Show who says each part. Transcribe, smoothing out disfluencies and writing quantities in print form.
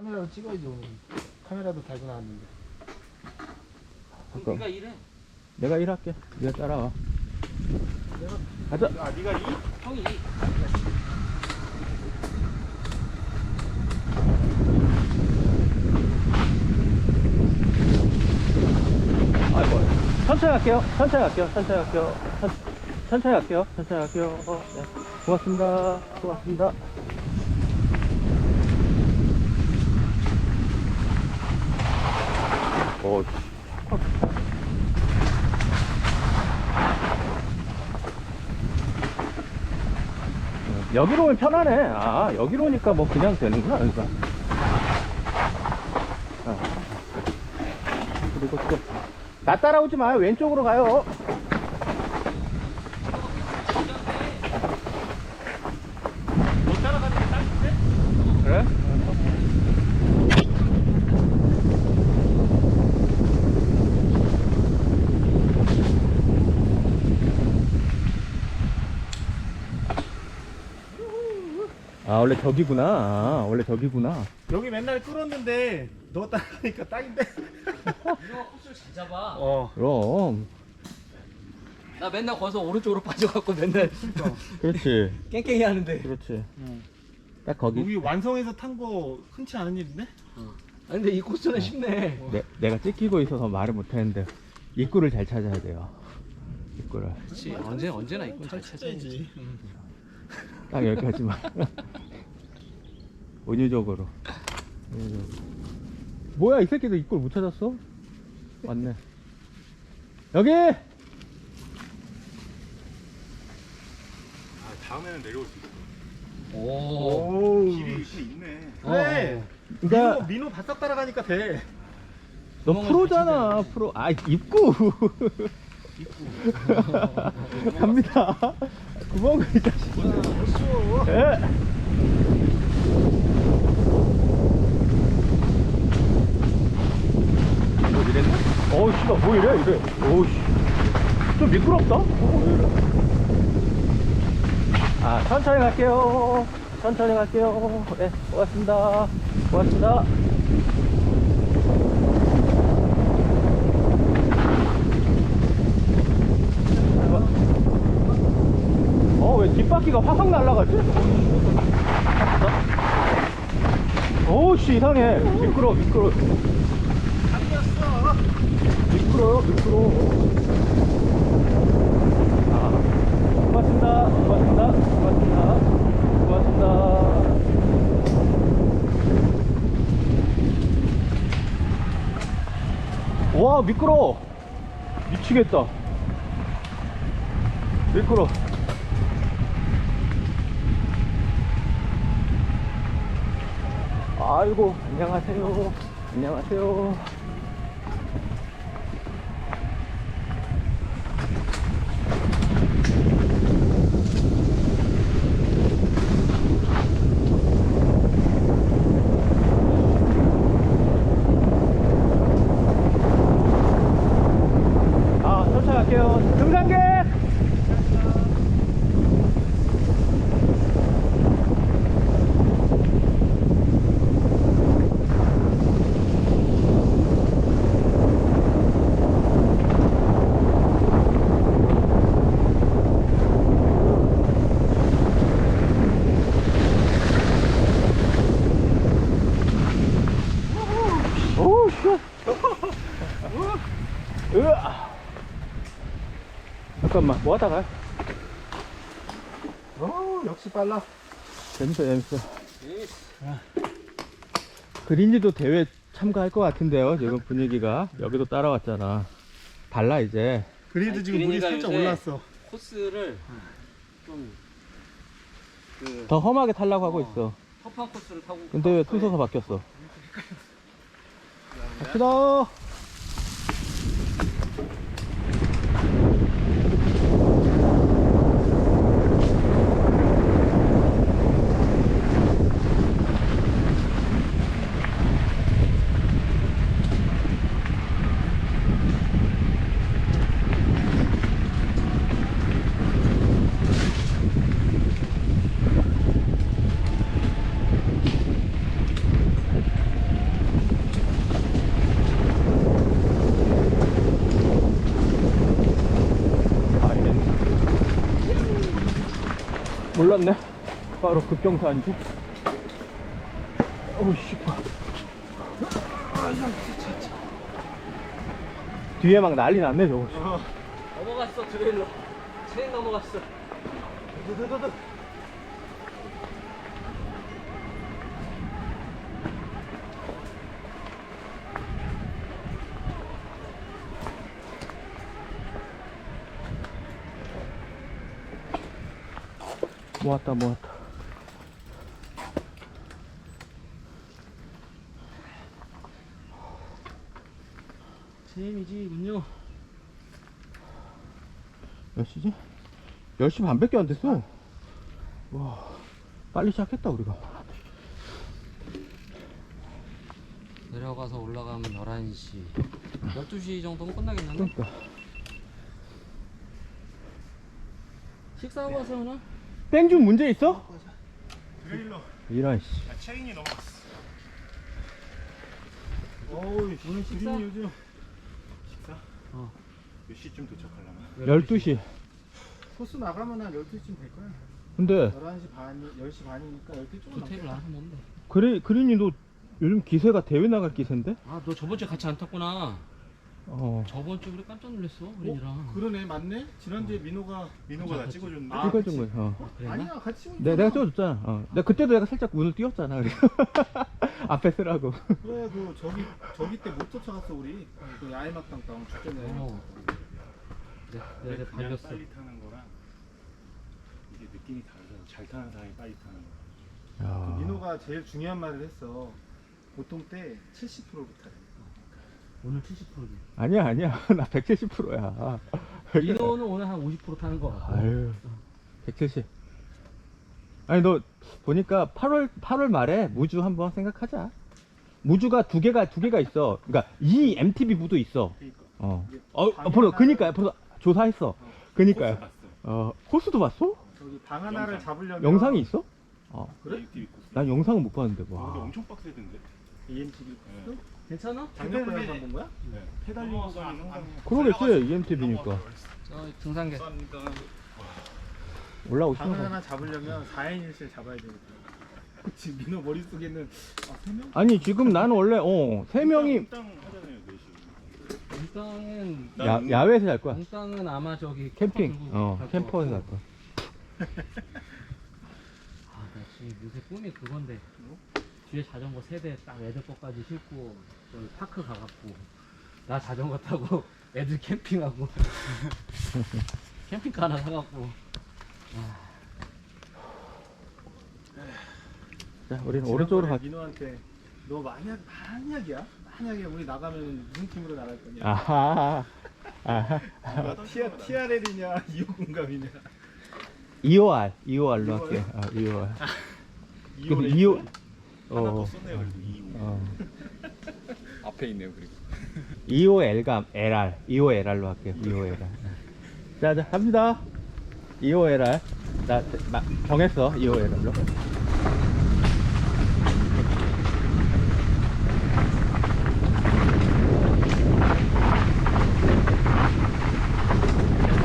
Speaker 1: 카메라로 찍어야지 오늘. 카메라도 달고 나왔는데.
Speaker 2: 잠깐.
Speaker 3: 네가 일해.
Speaker 2: 내가 일할게. 네가 따라와. 가자.
Speaker 1: 아, 네가 이?
Speaker 3: 형이 일.
Speaker 2: 아이고. 천천히 갈게요. 천천히 갈게요. 천천히 갈게요. 천천히 갈게요. 천천히 갈게요. 네. 고맙습니다. 고맙습니다. 오, 여기로 오면 편하네. 아, 여기로 오니까 뭐 그냥 되는구나. 그러니까. 아. 그리고 또, 나 따라오지 마요. 왼쪽으로 가요.
Speaker 3: 못 따라가는 게 딱인데?
Speaker 2: 그래? 아, 원래 저기구나. 아, 원래 저기구나.
Speaker 1: 여기 맨날 끌었는데 너 따라하니까 딱인데.
Speaker 3: 이거 코스를 잘 잡아.
Speaker 2: 그럼.
Speaker 3: 나 맨날 거기서 오른쪽으로 빠져갖고 맨날
Speaker 2: 그렇지.
Speaker 3: 깽깽이 하는데.
Speaker 2: 그렇지.
Speaker 1: 응.
Speaker 2: 딱 거기.
Speaker 1: 여기 완성해서 탄 거 흔치 않은 일인데?
Speaker 3: 아 근데 이 코스는 쉽네.
Speaker 2: 내가 찍히고 있어서 말을 못했는데 입구를 잘 찾아야 돼요. 입구를.
Speaker 3: 그렇지. 언제나 이건 잘 찾아야지.
Speaker 1: 응.
Speaker 2: 딱 여기까지만. 은유적으로. 뭐야, 이 새끼들 입구를 못 찾았어? 맞네. 여기!
Speaker 4: 아, 다음에는 내려올 수 있어.
Speaker 3: 오.
Speaker 4: 길이 있네.
Speaker 1: 그래.
Speaker 2: 그러니까
Speaker 1: 민호 바싹 따라가니까 돼.
Speaker 2: 너 프로잖아, 프로. 아, 입구. 갑니다. 구멍을 이 자식.
Speaker 1: 쉬워.
Speaker 2: 예. 뭐 이랬나? 어우, 씨가 뭐 이래, 이래. 어우, 씨. 좀 미끄럽다? 왜 이래? 아, 천천히 갈게요. 천천히 갈게요. 네, 고맙습니다. 고맙습니다. 왜 뒷바퀴가 확확 날아가지? 어우씨, 이상해. 미끄러워.
Speaker 1: 당겼어.
Speaker 2: 미끄러워. 아, 고맙습니다. 와, 미끄러워. 미치겠다. 미끄러워. 아이고, 안녕하세요. 아, 천천히 갈게요. 등산객! 오우, 씨. 으아. 잠깐만, 뭐 하다가?
Speaker 1: 역시 빨라.
Speaker 2: 재밌어. 그린이도 대회 참가할 것 같은데요, 지금 분위기가. 여기도 따라왔잖아. 달라, 이제.
Speaker 1: 그래도
Speaker 3: 아니,
Speaker 1: 지금 물이
Speaker 3: 그린이가
Speaker 1: 살짝
Speaker 3: 요새
Speaker 1: 올랐어.
Speaker 3: 코스를 좀
Speaker 2: 더 험하게 타려고 하고 있어.
Speaker 3: 터프한 코스를 타고.
Speaker 2: 근데 왜 순서가 바뀌었어? 갑시다. 몰랐네. 바로 급경사인지. 어우씨. 뒤에 막 난리 났네, 저거.
Speaker 3: 넘어갔어 트레일러. 체인 넘어갔어.
Speaker 2: 모았다.
Speaker 3: 체인이지군요.
Speaker 2: 몇 시지? 10시 반밖에 안 됐어. 와, 빨리 시작했다, 우리가.
Speaker 3: 내려가서 올라가면 11시 12시 정도면 끝나겠는데?
Speaker 2: 그러니까.
Speaker 3: 식사하고 와서 오나?
Speaker 2: 땡준 문제 있어?
Speaker 4: 트레일러.
Speaker 2: 이런, 씨.
Speaker 4: 아, 체인이 넘어갔어.
Speaker 1: 어우,
Speaker 3: 오늘 식사?
Speaker 1: 그림 요즘
Speaker 4: 식사? 몇 시쯤 도착하려나?
Speaker 2: 12시.
Speaker 1: 코스 나가면 한 12시쯤 될 거야.
Speaker 2: 근데,
Speaker 1: 11시 반이, 10시 반이니까 12시 조금
Speaker 3: 조퇴를 안 하면 돼.
Speaker 2: 그린이 너 요즘 기세가 대회 나갈 기세인데?
Speaker 3: 아, 너 저번 주에 같이 안 탔구나.
Speaker 2: 어.
Speaker 3: 저번 주에 우리 깜짝 놀랐어, 우리랑.
Speaker 1: 그러네, 맞네? 지난주에 민호가.
Speaker 4: 민호가 나
Speaker 3: 그치.
Speaker 4: 찍어줬는데.
Speaker 1: 아,
Speaker 2: 찍어준
Speaker 1: 그치.
Speaker 2: 거야. 어.
Speaker 3: 그랬나?
Speaker 1: 아니야, 같이 오니까.
Speaker 2: 내가 찍어줬잖아. 어. 내가 그때도 내가 살짝 운을 띄웠잖아. 그래서 앞에 쓰라고.
Speaker 1: 그래, 그, 저기 때 못 쫓아갔어, 우리. 그 야외막당 다운 축제네.
Speaker 3: 어.
Speaker 4: 근데
Speaker 3: 내가
Speaker 4: 그냥
Speaker 3: 발렸어.
Speaker 4: 빨리 타는 거랑 이게 느낌이 다르잖아. 잘 타는 사람이 빨리 타는 거.
Speaker 2: 야.
Speaker 1: 민호가 제일 중요한 말을 했어. 보통 때 70%부터.
Speaker 3: 오늘 70%지.
Speaker 2: 아니야. 나 170%야.
Speaker 3: 민호는 오늘 한 50% 타는 거 같아.
Speaker 2: 아유. 170. 아니, 너 보니까 8월 말에 무주 한번 생각하자. 무주가 두 개가 있어. 그러니까 이 MTB 무도 있어.
Speaker 4: 그러니까.
Speaker 2: 그니까요. 벌써 조사했어. 그니까요.
Speaker 4: 코스 봤어.
Speaker 2: 코스도 봤어?
Speaker 1: 저기 방 하나를
Speaker 4: 영상.
Speaker 1: 잡으려면.
Speaker 2: 영상이 있어?
Speaker 1: 그래?
Speaker 4: ATV 코스.
Speaker 2: 난 영상은 못 봤는데.
Speaker 4: 근데
Speaker 2: 와.
Speaker 4: 엄청 빡세던데.
Speaker 1: EMTV 코스?
Speaker 3: 괜찮아?
Speaker 1: 작년 거 영상 본 거야?
Speaker 4: 네. 페달링 구간이 상당히.
Speaker 2: 그러겠지. EMTB니까.
Speaker 3: 저 등산객.
Speaker 2: 올라오시는
Speaker 1: 방을
Speaker 2: 거.
Speaker 1: 하나 잡으려면 4인 1실 잡아야 되겠다. 지금 민호 머릿속에는 3명?
Speaker 2: 아니, 지금 나는 원래 3명이
Speaker 4: 땅 하잖아요, 4시.
Speaker 3: 몽땅은
Speaker 2: 야외에서 잘 거야.
Speaker 3: 몽땅은 아마 저기
Speaker 2: 캠핑.
Speaker 3: 들고 갈
Speaker 2: 캠퍼에서
Speaker 3: 것
Speaker 2: 갈
Speaker 3: 같고.
Speaker 2: 거야.
Speaker 3: 아, 나 지금 요새 꿈이 그건데. 뒤에 자전거 세대 딱 애들 거까지 싣고 저기 파크 가갖고 나 자전거 타고 애들 캠핑하고 캠핑카 하나 사갖고.
Speaker 2: 자, 우리는 오른쪽으로 가.
Speaker 1: 민호한테 너 만약이야? 만약에 우리 나가면 무슨 팀으로 나갈 거냐?
Speaker 2: 아하.
Speaker 1: TRL이냐 2호공감이냐?
Speaker 2: 2호R로 할게. 2호R. 근데 2호.
Speaker 4: 하나 더 썼네요, 그래도 2호. 앞에 있네요, 그리고.
Speaker 2: 2호L감 LR. 2호LR로 할게요. 2호LR. 자, 갑니다. 2호LR. 나 정했어. 2호LR로.